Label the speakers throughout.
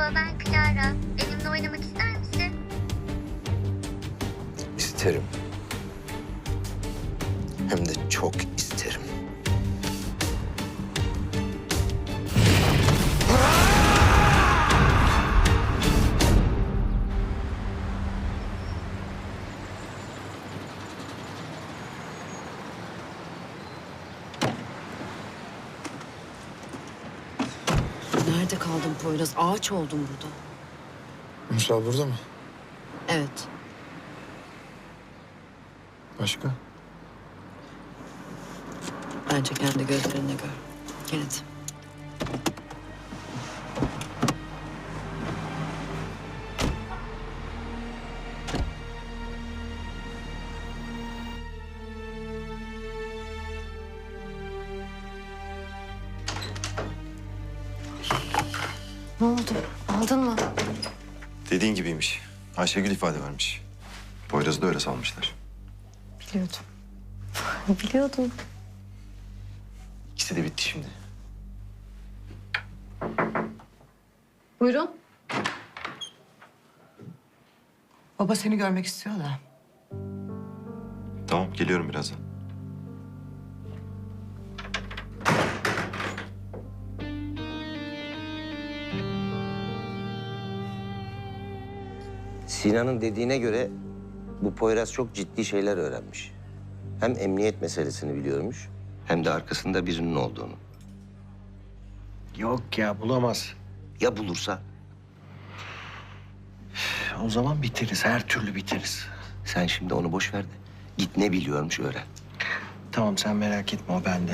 Speaker 1: Merhaba, ben Clara. Benimle oynamak ister misin?
Speaker 2: İsterim. Hem de çok isterim.
Speaker 3: Nerede kaldın Poyraz? Ağaç oldum burada.
Speaker 4: Ünsal burada mı?
Speaker 3: Evet.
Speaker 4: Başka?
Speaker 3: Bence kendi gözlerinle gör. Gel hadi. Ne oldu? Aldın mı?
Speaker 5: Dediğin gibiymiş. Ayşegül ifade vermiş. Poyraz'ı da öyle salmışlar.
Speaker 3: Biliyordum. Biliyordum.
Speaker 5: İkisi de bitti şimdi.
Speaker 3: Buyurun.
Speaker 6: Baba seni görmek istiyor da.
Speaker 5: Tamam, geliyorum birazdan.
Speaker 2: Sinan'ın dediğine göre bu Poyraz çok ciddi şeyler öğrenmiş. Hem emniyet meselesini biliyormuş hem de arkasında birinin olduğunu.
Speaker 7: Yok ya bulamaz.
Speaker 2: Ya bulursa?
Speaker 7: O zaman biteriz. Her türlü biteriz.
Speaker 2: Sen şimdi onu boş ver de git ne biliyormuş öğren.
Speaker 7: Tamam sen merak etme o bende.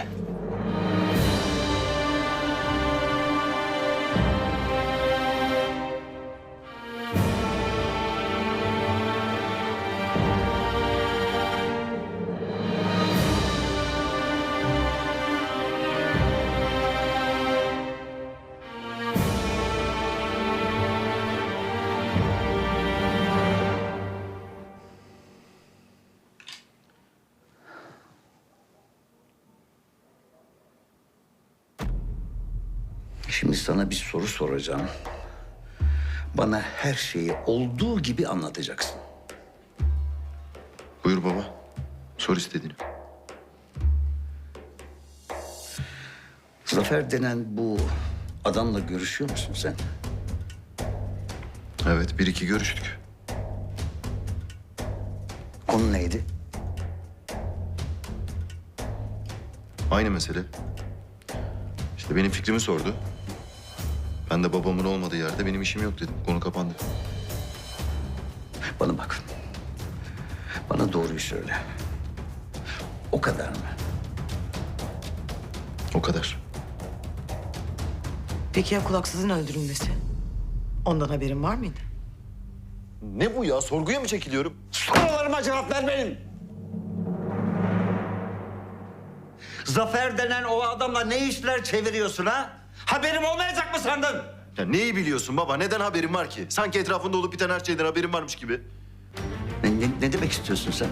Speaker 8: Şimdi sana bir soru soracağım. Bana her şeyi olduğu gibi anlatacaksın.
Speaker 5: Buyur baba. Sor istediğini.
Speaker 8: Zafer denen bu adamla görüşüyor musun sen?
Speaker 5: Evet, bir iki görüştük.
Speaker 8: Konu neydi?
Speaker 5: Aynı mesele. İşte benim fikrimi sordu. Ben de babamın olmadığı yerde benim işim yok dedim. Konu kapandı.
Speaker 8: Bana bak. Bana doğruyu söyle. O kadar mı?
Speaker 5: O kadar.
Speaker 6: Peki ya kulaksızın öldürülmesi? Ondan haberin var mıydı?
Speaker 5: Ne bu ya? Sorguya mı çekiliyorum?
Speaker 8: Sorularıma cevap ver benim. Zafer denen o adamla ne işler çeviriyorsun ha? Haberim olmayacak mı sandın?
Speaker 5: Ya neyi biliyorsun baba? Neden haberin var ki? Sanki etrafında olup biten her şeyden haberin varmış gibi.
Speaker 8: Ne demek istiyorsun sen?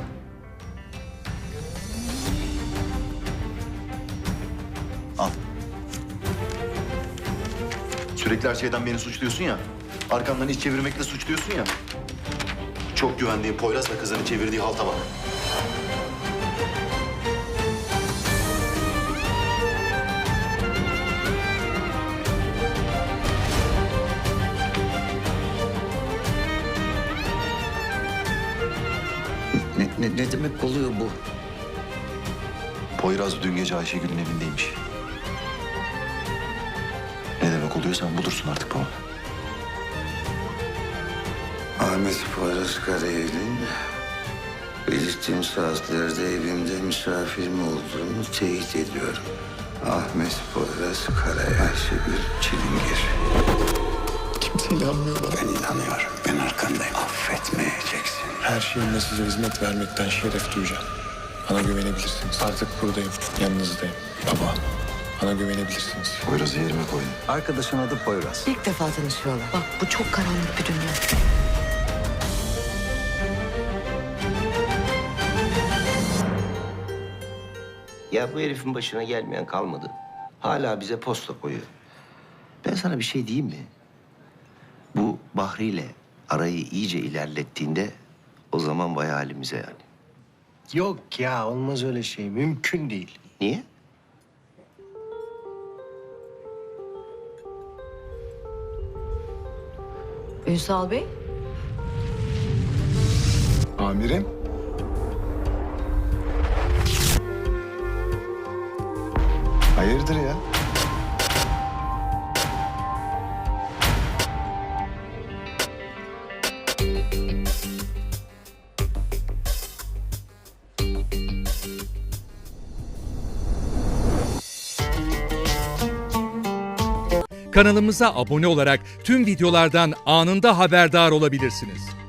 Speaker 5: Al. Sürekli her şeyden beni suçluyorsun ya. Arkamdan iş çevirmekle suçluyorsun ya. Çok güvendiği Poyraz ve kızını çevirdiği halta bak.
Speaker 8: Ne demek oluyor bu?
Speaker 5: Poyraz dün gece Ayşegül'ün evindeymiş. Ne demek oluyor sen bulursun artık baba.
Speaker 2: Ahmet Poyraz Karayel'in belirttiğim saatlerde evimde misafir mi olduğunu teyit ediyorum. Ahmet Poyraz Karayel, Ayşegül Çilingir.
Speaker 4: Kimse inanmıyor bana.
Speaker 2: Ben inanıyorum. Ben arkandayım. Affetmeyeceksin.
Speaker 4: Her şeyimle size hizmet vermekten şeref duyacağım. Bana güvenebilirsiniz. Artık buradayım, yanınızdayım. Baba, bana güvenebilirsiniz.
Speaker 5: Poyraz'ı yerime koydum.
Speaker 8: Arkadaşın adı Poyraz.
Speaker 6: İlk defa tanışıyorlar.
Speaker 3: Bak bu çok karanlık bir dünya.
Speaker 2: Ya bu herifin başına gelmeyen kalmadı. Hala bize posta koyuyor. Ben sana bir şey diyeyim mi? Bu Bahri ile arayı iyice ilerlettiğinde o zaman vay halimize yani.
Speaker 7: Yok ya, olmaz öyle şey. Mümkün değil.
Speaker 2: Niye?
Speaker 3: Ünsal Bey,
Speaker 4: Amirim. Hayırdır ya?
Speaker 9: Kanalımıza abone olarak tüm videolardan anında haberdar olabilirsiniz.